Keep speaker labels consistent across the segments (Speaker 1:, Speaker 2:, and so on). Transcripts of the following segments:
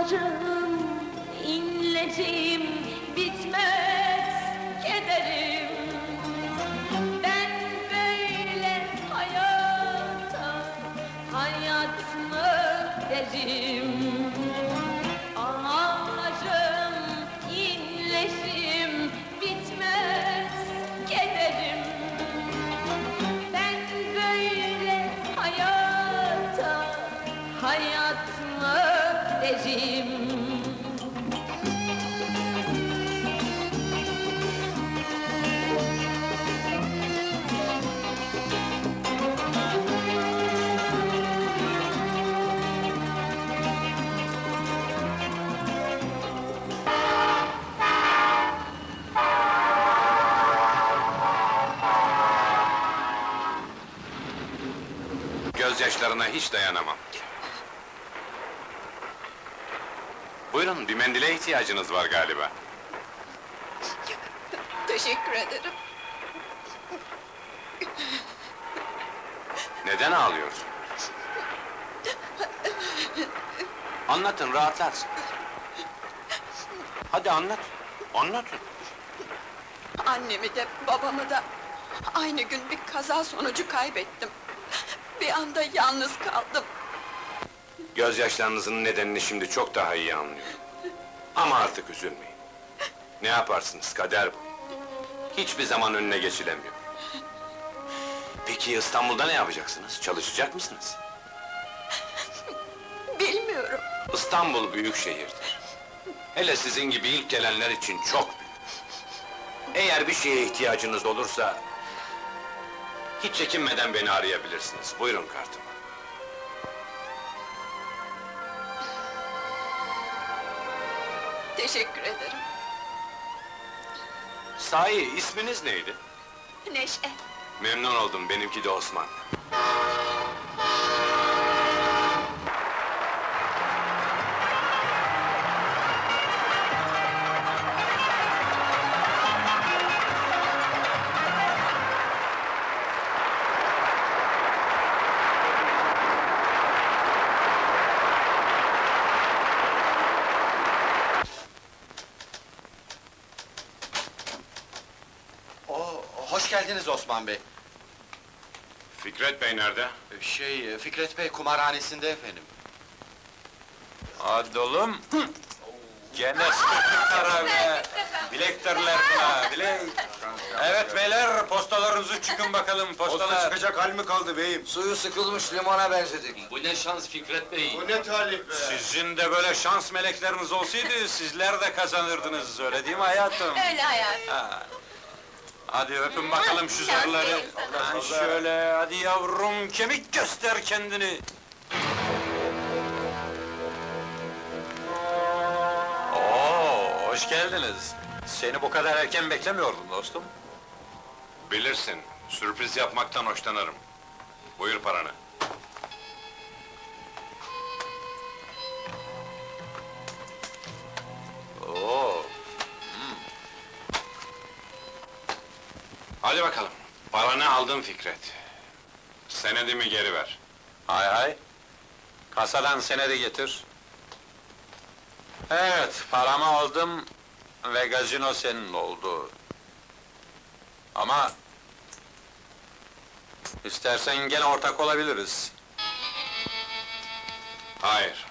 Speaker 1: Ağlarım, inlerim, bitmez kederim. Ben böyle hayata, hayat mı derim? Ağlarım, inlerim, bitmez kederim. Ben böyle hayata, hayat mı derim?
Speaker 2: Gözyaşlarına hiç dayanamam. Buyurun, bir mendile ihtiyacınız var galiba.
Speaker 3: Teşekkür ederim.
Speaker 2: Neden ağlıyorsun? Anlatın, rahatlarsın. Hadi anlat, anlatın.
Speaker 3: Annemi de babamı da aynı gün bir kaza sonucu kaybettim. Bir anda yalnız kaldım.
Speaker 2: Gözyaşlarınızın nedenini şimdi çok daha iyi anlıyorum. Ama artık üzülmeyin. Ne yaparsınız, kader bu. Hiçbir zaman önüne geçilemiyor. Peki İstanbul'da ne yapacaksınız? Çalışacak mısınız?
Speaker 3: Bilmiyorum.
Speaker 2: İstanbul büyük şehirdir. Hele sizin gibi ilk gelenler için çok büyük. Eğer bir şeye ihtiyacınız olursa... hiç çekinmeden beni arayabilirsiniz. Buyurun kartımı.
Speaker 3: Teşekkür ederim.
Speaker 2: Sahi, isminiz neydi?
Speaker 3: Neşe.
Speaker 2: Memnun oldum, benimki de Osman.
Speaker 4: Hoş geldiniz Osman Bey.
Speaker 2: Fikret Bey nerede?
Speaker 4: Fikret Bey kumarhanesinde efendim.
Speaker 5: Hadi oğlum! Gene sıkıntı be! Bilektirler buna, bilek! Evet beyler, postalarınızı çıkın bakalım, postalar!
Speaker 4: çıkacak hal mi kaldı beyim?
Speaker 6: Suyu sıkılmış limona benzedik.
Speaker 2: Bu ne şans Fikret Bey!
Speaker 4: Bu ne talih be!
Speaker 5: Sizin de böyle şans melekleriniz olsaydı, sizler de kazanırdınız, öyle değil mi hayatım?
Speaker 3: Öyle hayat.
Speaker 5: Ha. Hadi öpün bakalım şu zarları! Ha, şöyle, hadi yavrum, kemik göster kendini! Oo, hoş geldiniz! Seni bu kadar erken beklemiyordum dostum.
Speaker 2: Bilirsin, sürpriz yapmaktan hoşlanırım. Buyur paranı.
Speaker 5: Oo,
Speaker 2: Hadi bakalım, paranı aldın Fikret. Senedimi geri ver.
Speaker 5: hay hay! Kasadan senedi getir. Evet, paramı aldım ve gazino senin oldu. Ama... istersen gene ortak olabiliriz.
Speaker 2: Hayır.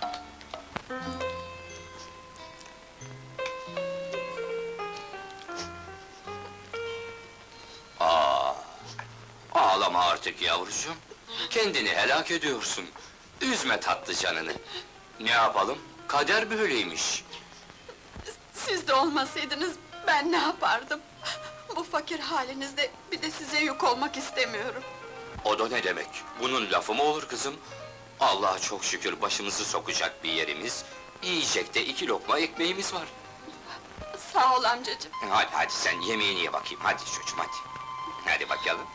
Speaker 6: Ağlama artık yavrucuğum. Kendini helak ediyorsun. Üzme tatlı canını. Ne yapalım? Kader böyleymiş.
Speaker 3: Siz de olmasaydınız ben ne yapardım? Bu fakir halinizde bir de size yük olmak istemiyorum.
Speaker 6: O da ne demek? Bunun lafı mı olur kızım? Allah'a çok şükür başımızı sokacak bir yerimiz, yiyecek de 2 lokma ekmeğimiz var.
Speaker 3: Sağ ol amcacığım.
Speaker 6: Hadi hadi sen yemeğini ye bakayım, hadi çocuğum hadi. Hadi bakalım.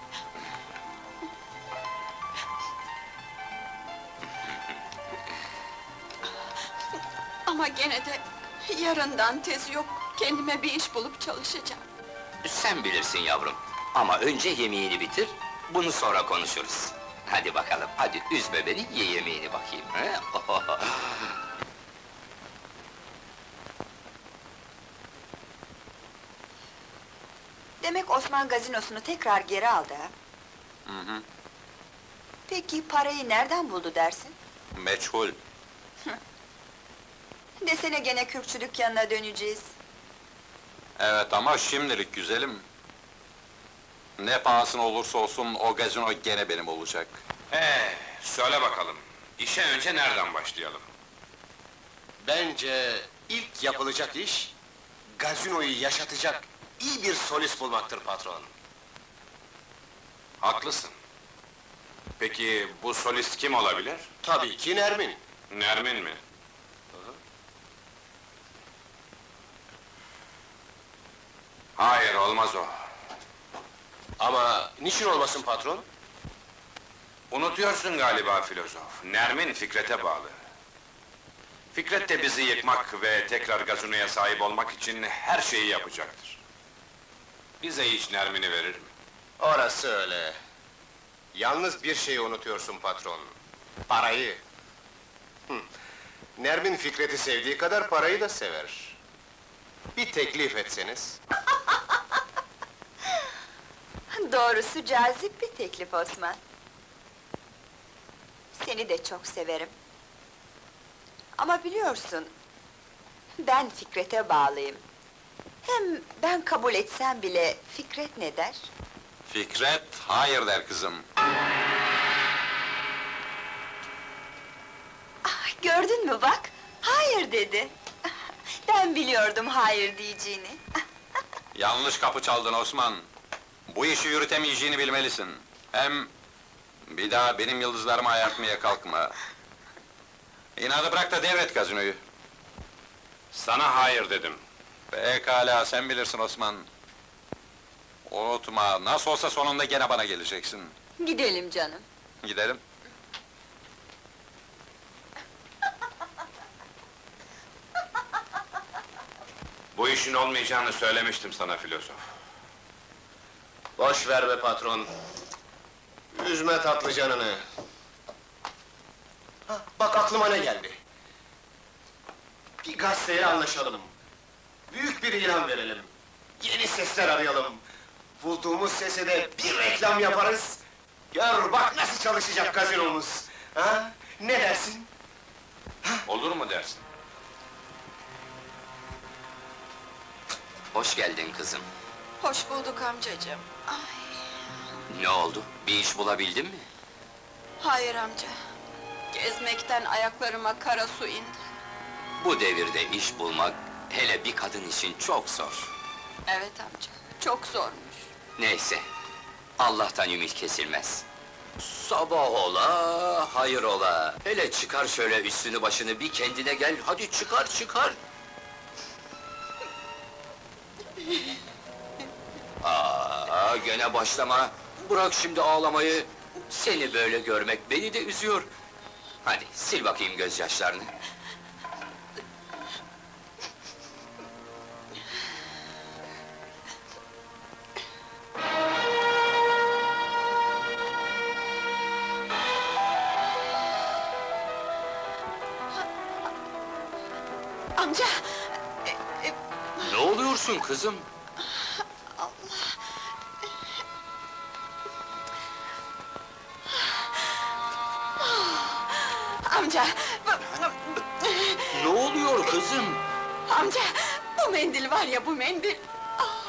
Speaker 3: Ama gene de yarından tez yok, kendime bir iş bulup çalışacağım.
Speaker 6: Sen bilirsin yavrum. Ama önce yemeğini bitir, bunu sonra konuşuruz. Hadi bakalım, hadi üzme beni, ye yemeğini bakayım. He?
Speaker 7: Demek Osman gazinosunu tekrar geri aldı ha?
Speaker 5: Hı hı.
Speaker 7: Peki parayı nereden buldu dersin?
Speaker 5: Meçhul.
Speaker 7: Desene gene kürkçü dükkanına döneceğiz.
Speaker 5: Evet ama şimdilik güzelim. Ne pahasına olursa olsun o gazino gene benim olacak.
Speaker 2: Söyle bakalım. İşe önce nereden başlayalım?
Speaker 4: Bence ilk yapılacak iş, gazinoyu yaşatacak iyi bir solist bulmaktır patron.
Speaker 2: Haklısın. Peki bu solist kim olabilir?
Speaker 4: Tabii ki Nermin.
Speaker 2: Nermin mi? Hayır, olmaz o.
Speaker 4: Ama niçin olmasın patron?
Speaker 2: Unutuyorsun galiba filozof. Nermin Fikret'e bağlı. Fikret de bizi yıkmak ve tekrar gazinoya sahip olmak için her şeyi yapacaktır. Bize hiç Nermin'i verir mi?
Speaker 4: Orası öyle. Yalnız bir şeyi unutuyorsun patron. Parayı. Nermin Fikret'i sevdiği kadar parayı da sever. Bir teklif etseniz.
Speaker 7: Doğrusu cazip bir teklif Osman. Seni de çok severim. Ama biliyorsun, ben Fikret'e bağlıyım. Hem ben kabul etsem bile Fikret ne der?
Speaker 5: Fikret, hayır der kızım.
Speaker 7: Ah, gördün mü bak, hayır dedi. Ben biliyordum hayır diyeceğini.
Speaker 5: Yanlış kapı çaldın Osman. Bu işi yürütemeyeceğini bilmelisin. Hem bir daha benim yıldızlarımı ayartmaya kalkma. İnadı bırak da devret gazinoyu.
Speaker 2: Sana hayır dedim.
Speaker 5: Pekala, sen bilirsin Osman. Unutma, nasıl olsa sonunda gene bana geleceksin.
Speaker 7: Gidelim canım.
Speaker 5: Gidelim.
Speaker 2: Bu işin olmayacağını söylemiştim sana filozof.
Speaker 4: Boş ver be patron. Üzme tatlı canını. Bak aklıma ne geldi. Bir gazeteyle anlaşalım. Büyük bir ilan verelim. Yeni sesler arayalım. Bulduğumuz sese de bir reklam yaparız. Gör bak nasıl çalışacak gazinomuz. Ha? Ne dersin?
Speaker 2: Olur mu dersin?
Speaker 6: Hoş geldin kızım.
Speaker 3: Hoş bulduk amcacığım. Ay,
Speaker 6: Ne oldu? Bir iş bulabildin mi?
Speaker 3: hayır amca. Gezmekten ayaklarıma kara su indi.
Speaker 6: Bu devirde iş bulmak, hele bir kadın için çok zor.
Speaker 3: Evet amca, çok zormuş.
Speaker 6: Neyse, Allah'tan ümit kesilmez. Sabah ola, hayır ola. Hele çıkar şöyle üstünü başını, bir kendine gel, hadi çıkar çıkar! Gene başlama! Bırak şimdi ağlamayı! Seni böyle görmek beni de üzüyor. Hadi, sil bakayım gözyaşlarını.
Speaker 3: Amca!
Speaker 6: Ne oluyorsun kızım?
Speaker 3: Amca!
Speaker 6: Ne oluyor kızım?
Speaker 3: Amca! Bu mendil var ya, bu mendil!